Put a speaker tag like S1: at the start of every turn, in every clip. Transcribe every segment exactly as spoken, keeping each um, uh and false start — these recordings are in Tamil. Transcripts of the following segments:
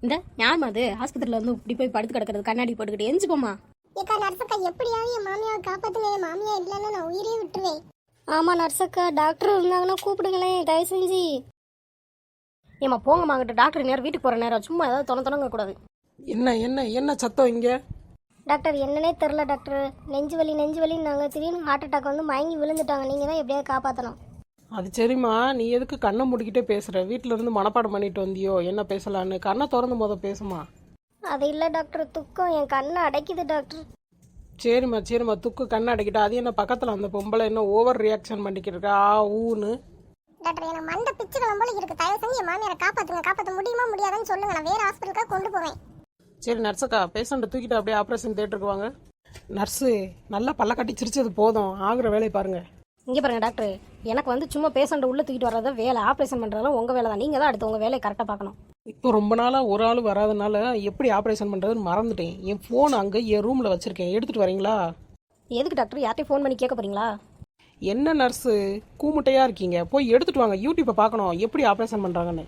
S1: இந்த ஞாபகம் அது ஆஸ்பத்திரியில் வந்து இப்படி போய் படுத்து கிடக்கிறது கண்ணாடி போட்டுக்கிட்டு எஞ்சி போமா.
S2: ஏக்கா நர்சக்கா எப்படியாவது என் மாமியாவை காப்பாத்துங்க, என் மாமியா இல்லைன்னா நான் உயிரே விட்டுருவேன்.
S3: ஆமாம் நர்சக்கா, டாக்டர் இருந்தாங்கன்னா கூப்பிடுங்களேன் தயவு செஞ்சு.
S1: ஏமா போங்கம்மா, அங்கிட்ட டாக்டர் நேரம் வீட்டுக்கு போகிற நேரம் சும்மா ஏதாவது தொண தொணங்க கூடாது.
S4: என்ன என்ன என்ன சத்தம் இங்க?
S3: டாக்டர் என்னன்னே தெரில டாக்டர், நெஞ்சு வலி நெஞ்சு வலின்னு நாங்கள் திடீர்னு ஹார்ட் அட்டாக் வந்து மயங்கி விழுந்துட்டாங்க. நீங்கள் தான் எப்படியாவது காப்பாற்றணும்.
S4: அது சரிம்மா, நீ எதுக்கு கண்ணை மூடிக்கிட்டே பேசுற? வீட்டுல இருந்து மனப்பாடம் பண்ணிட்டு வந்தியோ என்ன பேசலான்னு? கண்ணை திறந்து போத பேசுமா.
S3: அது இல்லை டாக்டர், துக்கம் என் கண்ணை அடைக்குது டாக்டர்.
S4: சரிம்மா சரிம்மா, துக்கு கண்ணை அடைக்கிட்டா. அது என்ன பக்கத்துல அந்த பொம்பளை என்ன ஓவர் ரியாக்ஷன் பண்ணிக்கிட்டு இருக்கா ஆ ஊன்னு?
S2: டாக்டர் எனக்கு மண்டை பிச்சு கிளம்போல இருக்கு, தயவு செஞ்சு என் மாமியாரை காப்பாத்துங்க. காப்பாற்ற முடியுமா முடியாதுன்னு சொல்லுங்க, நான் வேற ஹாஸ்பிட்டலுக்காக கொண்டு போவேன்.
S4: சரி நர்ஸக்கா, பேஷண்ட்டை தூக்கிட்டு அப்படியே ஆப்ரேஷன் தேட்டருக்கு வாங்க. நர்ஸு நல்லா பல்ல கட்டி சிரிச்சது போதும், ஆகுற வேலையை பாருங்க.
S1: இங்கே பாருங்க டாக்டர், எனக்கு வந்து சும்மா பேஷண்ட்டை உள்ளே தூக்கிட்டு வர்றத வேலை, ஆப்ரேஷன் பண்ணுறதுலாம் உங்கள் வேலை தான். நீங்கள் தான் அடுத்து உங்கள் வேலையை கரெக்டாக பார்க்கணும்.
S4: இப்போ ரொம்ப நாளாக ஒரு ஆள் வராதனால எப்படி ஆப்ரேஷன் பண்ணுறதுன்னு மறந்துட்டேன். என் ஃபோன் அங்கே என் ரூமில் வச்சுருக்கேன், எடுத்துகிட்டு வரீங்களா?
S1: எதுக்கு டாக்டர், யார்ட்டையும் ஃபோன் பண்ணி கேட்க போறீங்களா?
S4: என்ன நர்ஸு கூமுட்டையாக இருக்கீங்க, போய் எடுத்துகிட்டு வாங்க. யூடியூப்பை பார்க்கணும் எப்படி ஆப்ரேஷன் பண்ணுறாங்கன்னு.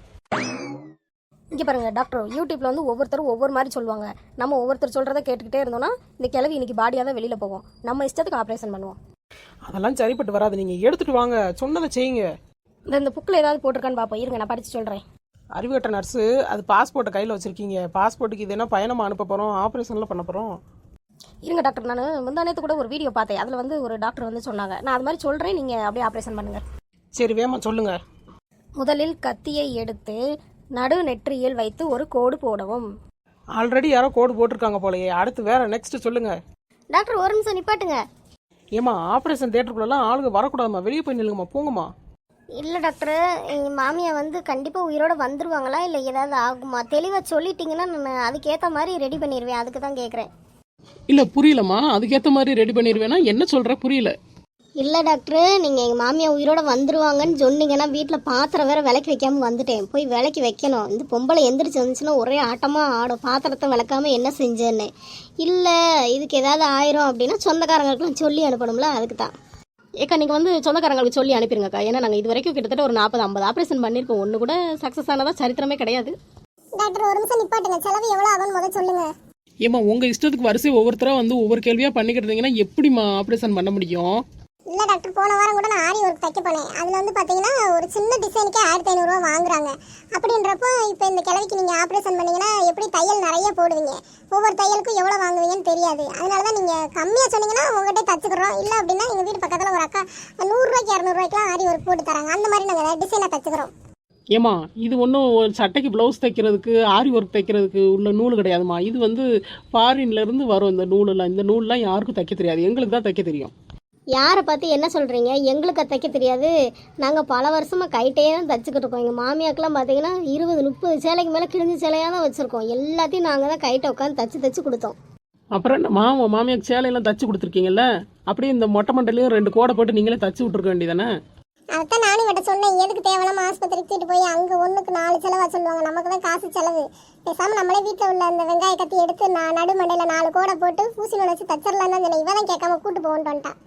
S1: இங்கே பாருங்க டாக்டர், யூடியூப்ல வந்து ஒவ்வொருத்தரும் ஒவ்வொரு மாதிரி சொல்லுவாங்க. நம்ம ஒவ்வொருத்தர் சொல்கிறத கேட்டுக்கிட்டே இருந்தோம்னா இந்த கிழவி இன்னைக்கு பாடியாக தான் வெளியில் போவோம். நம்ம இஷ்டத்துக்கு ஆப்ரேஷன் பண்ணுவோம்.
S4: அதெல்லாம் சரிப்பட்டு வராது, நீங்கள் எடுத்துகிட்டு வாங்க, சொன்னதை செய்யுங்க.
S1: இந்த இந்த புக்கில் ஏதாவது போட்டிருக்கான்னு பார்ப்போம், இருங்க நான் படித்து சொல்கிறேன்.
S4: அறிவுகட்ட நர்ஸு, அது பாஸ்போர்ட்டை கையில் வச்சுருக்கீங்க. பாஸ்போர்ட்டுக்கு இது என்ன பயணமாக அனுப்ப போகிறோம், ஆப்ரேஷனில் பண்ண போகிறோம்.
S1: இருங்க டாக்டர், நான் முந்தானத்து கூட ஒரு வீடியோ பார்த்தேன், அதில் வந்து ஒரு டாக்டர் வந்து சொன்னாங்க. நான் அது மாதிரி சொல்கிறேன், நீங்கள் அப்படியே ஆப்ரேஷன் பண்ணுங்கள்.
S4: சரி வேமா சொல்லுங்கள்.
S1: முதலில் கத்தியை எடுத்து நடு நெற்றியில் வைத்து ஒரு கோடு போடவும்.
S4: ஆல்ரெடி யாரோ கோடு போட்டிருக்காங்க போலயே, அடுத்து வேற நெக்ஸ்ட் சொல்லுங்க.
S3: டாக்டர் ஒரு நிமிஷம் நிப்பாட்டுங்க.
S4: ஏமா ஆப்ரேஷன் தேட்டருக்குள்ளலாம் ஆளுங்க வரக்கூடாதுமா, வெளியே போய் நில்லுங்கம்மா, போங்கம்மா.
S3: இல்லை டாக்டர், எங்கள் மாமியா வந்து கண்டிப்பாக உயிரோட வந்துருவாங்களா இல்லை ஏதாவது ஆகுமா? தெளிவாக சொல்லிட்டீங்கன்னா நான் அதுக்கேற்ற மாதிரி ரெடி பண்ணிடுவேன், அதுக்கு தான் கேட்குறேன்.
S4: இல்லை புரியலம்மா, அதுக்கேற்ற மாதிரி ரெடி பண்ணிடுவேன்னா என்ன சொல்கிற, புரியல.
S3: இல்லை டாக்டர், நீங்கள் எங்கள் மாமியா உயிரோட வந்துருவாங்கன்னு சொன்னீங்கன்னா வீட்டில் பாத்திரம் வேற விளக்கி வைக்காமல் வந்துட்டேன், போய் விளக்கி வைக்கணும். இந்த பொம்பளை எந்திரிச்சு வந்துச்சுன்னா ஒரே ஆட்டமாக ஆடும், பாத்திரத்தை விளக்காமல் என்ன செஞ்சேன்னு. இல்லை இதுக்கு ஏதாவது ஆயிரும் அப்படின்னா சொந்தக்காரங்களுக்குலாம் சொல்லி அனுப்பணும்ல, அதுக்கு தான்.
S1: ஏக்கா நீங்கள் வந்து சொந்தக்காரங்களுக்கு சொல்லி அனுப்பிடுங்கக்கா. ஏன்னா நாங்கள் இது வரைக்கும் கிட்டத்தட்ட ஒரு நாற்பது ஐம்பது ஆப்ரேஷன் பண்ணியிருக்கோம், ஒன்று கூட சக்ஸஸ் ஆனதா சரித்திரமே கிடையாது.
S2: டாக்டர் ஒரு நிமிஷம் நிப்பாட்டுங்க, செலவு எவ்வளோ ஆகும்னு முதல்ல சொல்லுங்க.
S4: ஏமா உங்கள் இஷ்டத்துக்கு வரிசை ஒவ்வொருத்தராக வந்து ஒவ்வொரு கேள்வியாக பண்ணிக்கிட்டு இருந்தீங்கன்னா எப்படிம்மா ஆப்ரேஷன் பண்ண முடியும்?
S2: இல்லை டாக்டர், போன வாரம் கூட நான் ஆரி ஒர்க் தைக்க போனேன். அதில் வந்து பார்த்தீங்கன்னா ஒரு சின்ன டிசைனுக்கே ஆயிரத்தி ஐநூறுரூவா வாங்குறாங்க. அப்படின்றப்போ இப்போ இந்த கிழவிக்கு நீங்கள் ஆப்ரேஷன் பண்ணிங்கன்னா எப்படி தையல் நிறைய போடுவீங்க, ஒவ்வொரு தையலுக்கும் எவ்வளோ வாங்குவீங்கன்னு தெரியாது. அதனால தான் நீங்கள் கம்மியாக சொன்னீங்கன்னா உங்கள்கிட்ட தச்சுக்கிறோம். இல்லை அப்படின்னா எங்கள் வீட்டு பக்கத்தில் ஒரு அக்கா நூறுரூவாய்க்கு இரநூறுவாய்க்குலாம் ஆரி ஒர்க் போட்டு தராங்க, அந்த மாதிரி நாங்கள் டிசைனாக தச்சுக்கிறோம்.
S4: ஏமா இது ஒன்றும் ஒரு சட்டைக்கு ப்ளவுஸ் தைக்கிறதுக்கு ஆரி ஒர்க் தைக்கிறதுக்கு உள்ள நூல் கிடையாதுமா. இது வந்து ஃபாரின்லேருந்து வரும் இந்த நூலெல்லாம். இந்த நூல்லாம் யாருக்கும் தைக்க தெரியாது, எங்களுக்கு தான் தைக்க தெரியும்.
S3: யாரை பார்த்து என்ன சொல்கிறீங்க? எங்களுக்கு தைக்க தெரியாது, நாங்கள் பல வருஷமாக கைட்டே தான் தைச்சிக்கிட்டு இருக்கோம். எங்கள் மாமியாக்கெல்லாம் பார்த்தீங்கன்னா இருபது முப்பது சேலைக்கு மேலே கிழிஞ்ச சேலையாக தான் வச்சுருக்கோம். எல்லாத்தையும் நாங்கள் தான் கைட்டை உட்காந்து தச்சு தச்சு கொடுத்தோம்.
S4: அப்புறம் என்ன மாமா மாமியாக்கு சேலையெல்லாம் தச்சு கொடுத்துருக்கீங்கல்ல, அப்படியே இந்த மொட்டை மண்டலையும் ரெண்டு கோடை போட்டு நீங்களே தச்சு விட்ருக்க வேண்டியதானே?
S2: அதான் நானும் கிட்ட சொன்னேன், எதுக்கு தேவையில்லாம ஆஸ்பத்திரிக்கு தூக்கிட்டு போய் அங்கே ஒன்றுக்கு நாலு செலவாக சொல்லுவாங்க, நமக்கு தான் காசு செலவு. பேசாமல் நம்மளே வீட்டில் உள்ள அந்த வெங்காய கத்தி எடுத்து நான் நடு மண்டையில் நாலு கோடை போட்டு ஊசி நுழைச்சி தச்சிடலாம் தான் சொன்னேன். இவன் தான் கேட்காம கூட்டு போகணுன்ட்டு வந்துட்டான்.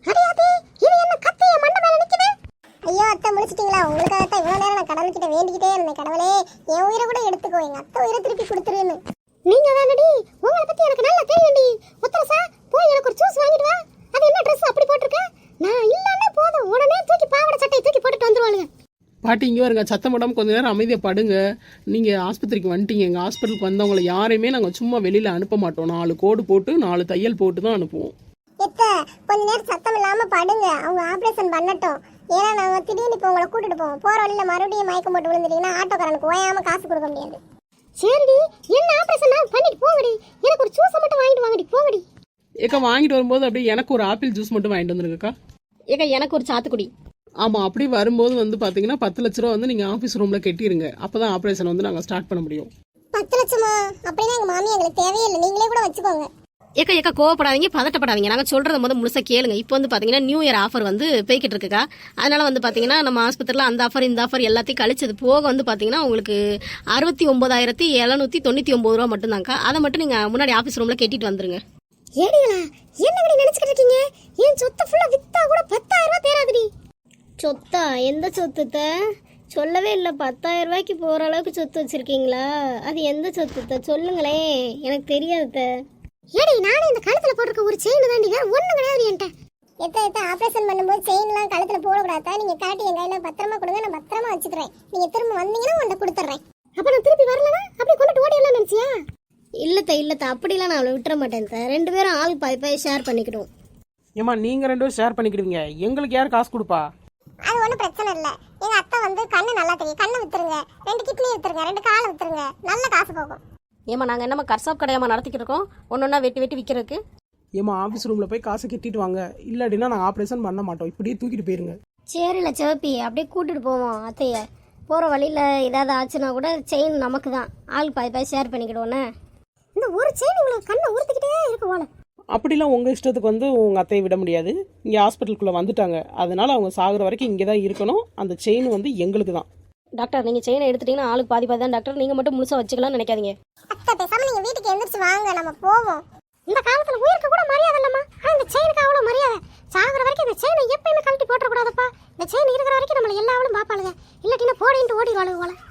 S2: ஐயோ அத்தை முடிச்சிட்டீங்களா? உங்களுக்காக தான் இவ்வளோ நேரம் நான் கடவுள்கிட்ட வேண்டிக்கிட்டே இருந்தேன், கடவுளே என் உயிரை கூட எடுத்துக்கோ, எங்கள் அத்தை உயிரை திருப்பி கொடுத்துருன்னு.
S3: நீங்கள் தானடி, உங்களை பற்றி எனக்கு நல்லா தெரியும்டி. உத்தரசா போய் எனக்கு ஒரு ஜூஸ் வாங்கிட்டு வா. அது என்ன ட்ரெஸ் அப்படி போட்டிருக்க? நான் இல்லைன்னா போதும் உடனே தூக்கி பாவாடை சட்டையை தூக்கி போட்டுட்டு வந்துருவாளுங்க.
S4: பாட்டி இங்கே வருங்க, சத்தம் போடாமல் கொஞ்சம் நேரம் அமைதியாக படுங்க. நீங்கள் ஆஸ்பத்திரிக்கு வந்துட்டீங்க, எங்கள் ஹாஸ்பிட்டலுக்கு வந்தவங்களை யாரையுமே நாங்கள் சும்மா வெளியில் அனுப்ப மாட்டோம். நாலு கோடு போட்டு நாலு தையல் போட்டு தான் அனுப்புவோம்.
S2: எத்த கொஞ்ச நேரம் சத்தம் இல்லாமல் படுங்க, அவங்க ஆப்ரேஷன் பண்ணட்டும். ஏன்னா நாங்கள் திடீர்னு இப்போ உங்களை கூட்டிட்டு போவோம், போகிற வழியில் மறுபடியும் மயக்கம் போட்டு விழுந்துட்டீங்கன்னா ஆட்டோக்காரனுக்கு ஓயாமல் காசு கொடுக்க முடியாது.
S3: சரிடி, என்ன ஆப்ரேஷன் பண்ணிட்டு போங்கடி, எனக்கு ஒரு ஜூஸை மட்டும் வாங்கிட்டு வாங்கடி, போங்கடி.
S4: ஏக்கா வாங்கிட்டு வரும்போது அப்படியே எனக்கு ஒரு ஆப்பிள் ஜூஸ் மட்டும் வாங்கிட்டு வந்துருக்கா.
S1: ஏக்கா எனக்கு ஒரு சாத்துக்குடி.
S4: ஆமாம், அப்படி வரும்போது வந்து பார்த்தீங்கன்னா பத்து லட்ச ரூபா வந்து நீங்கள் ஆஃபீஸ் ரூமில் கட்டிடுங்க, அப்போ தான் ஆப்ரேஷன் வந்து நாங்கள் ஸ்டார்ட் பண்ண முடியும்.
S2: பத்து லட்சமா? அப்படின்னா எங்கள் மாமி எங்களுக்கு தேவையே இல்லை, நீங்களே கூட வச்சுக்கோங்க.
S1: ஏக்கா ஏக்கா கோவப்படாதீங்க, பதட்டப்படாதீங்க, நாங்கள் சொல்கிறத முதல் முழுசாக கேளுங்க. இப்போ வந்து பார்த்தீங்கன்னா நியூ இயர் ஆஃபர் வந்து போய்கிட்டு இருக்குக்கா. அதனால் வந்து பார்த்தீங்கன்னா நம்ம ஆஸ்பத்திரியில் அந்த ஆஃபர் இந்த ஆஃபர் எல்லாத்தையும் கழிச்சது போக வந்து பார்த்தீங்கன்னா உங்களுக்கு அறுபத்தி ஒம்பதாயிரத்தி எழுநூற்றி தொண்ணூற்றி ஒம்பது ரூபா மட்டும்தாங்க்கா. அதை மட்டும் நீங்கள் முன்னாடி ஆஃபீஸ் ரூமில் கட்டிட்டு வந்துருங்க.
S3: ஏடிங்களா என்னங்கடி நினைச்சுக்கிட்டு இருக்கீங்க? என் சொத்தை ஃபுல்லாக வித்தா கூட பத்தாயிரம் ரூபா தேராதுடி. சொத்தா? எந்த சொத்துத்த? சொல்லவே இல்லை. பத்தாயிரம் ரூபாய்க்கு போகிற அளவுக்கு சொத்து வச்சுருக்கீங்களா? அது எந்த சொத்து சொல்லுங்களேன், எனக்கு தெரியாது.
S2: ஏடி நானும் இந்த கழுத்துல போட்டிருக்க ஒரு செயின் தாண்டி வேற ஒண்ணு கிடையாது என்கிட்ட. எத்த எத்த ஆபரேஷன் பண்ணும்போது செயின்லாம் கழுத்துல போடக்கூடாதா? நீங்க காட்டி என் கையில பத்திரமா கொடுங்க, நான் பத்திரமா வச்சுக்கிறேன். நீங்க திரும்ப வந்தீங்கன்னா உன்னை கொடுத்துட்றேன். அப்ப நான் திருப்பி வரலனா அப்படியே கொண்டுட்டு ஓடிடலாம் நினைச்சியா?
S3: இல்லைத்த இல்லைத்த, அப்படிலாம் நான் அவளை விட்டுற மாட்டேன். ரெண்டு பேரும் ஆள் பாய் பாய் ஷேர் பண்ணிக்கிடுவோம்.
S4: ஏம்மா நீங்கள் ரெண்டு பேரும் ஷேர் பண்ணிக்கிடுவீங்க, எங்களுக்கு யார் காசு கொடுப்பா?
S2: அது ஒன்றும் பிரச்சனை இல்லை. எங்க அத்தை வந்து கண்ணு நல்லா தெரியும், கண்ணை வித்துருங்க, ரெண்டு கிட்னி வித்துருங்க, ரெண்டு காலை வித்துருங்க, நல்ல காசு போகும்.
S1: ஏமா நாங்கள் என்னம்மா கர்சாப் கடையாமா நடத்திக்கிட்டு இருக்கோம், ஒன்று ஒன்றா வெட்டி வெட்டி விற்கிறதுக்கு?
S4: ஏம்மா ஆஃபீஸ் ரூமில் போய் காசை கட்டிட்டு வாங்க, இல்லாட்டினா நாங்கள் ஆப்ரேஷன் பண்ண மாட்டோம், இப்படியே தூக்கிட்டு போயிருங்க.
S3: சரில சிவப்பி, அப்படியே கூட்டிட்டு போவோம் அத்தைய. போகிற வழியில் ஏதாவது ஆச்சுன்னா கூட செயின் நமக்கு தான், ஆள் பாய் பாய் ஷேர் பண்ணிக்கிடுவோண்ணே.
S2: இந்த ஒரு செயின் உங்களுக்கு கண்ணை உறுத்திக்கிட்டே இருக்கு போல.
S4: அப்படிலாம் உங்கள் இஷ்டத்துக்கு வந்து உங்கள் அத்தையை விட முடியாது. இங்கே ஹாஸ்பிட்டலுக்குள்ளே வந்துட்டாங்க, அதனால அவங்க சாகுற வரைக்கும் இங்கே தான் இருக்கணும். அந்த செயின் வந்து எங்களுக்கு தான்.
S1: டாக்டர் நீங்கள் செயினை எடுத்துட்டீங்கன்னா ஆளுக்கு பாதி பாதி தான் டாக்டர், நீங்கள் மட்டும் முழுசாக வச்சுக்கலாம்னு நினைக்காதீங்க.
S2: அத்தை பேசாம நீங்க வீட்டுக்கு எந்திரிச்சு வாங்க, நம்ம போவோம். இந்த காலத்துல உயிருக்கு கூட மரியாதை இல்லம்மா, ஆனா இந்த செயினுக்கு அவ்வளவு மரியாதை. சாகுற வரைக்கும் இந்த செயினை எப்பயுமே கழட்டி போட்டுற கூடாதப்பா. இந்த செயின் இருக்கிற வரைக்கும் நம்மள எல்லா ஆளும் பாப்பாளுங்க, இல்லாட்டினா போடிட்டு ஓடி வாழுவோம்.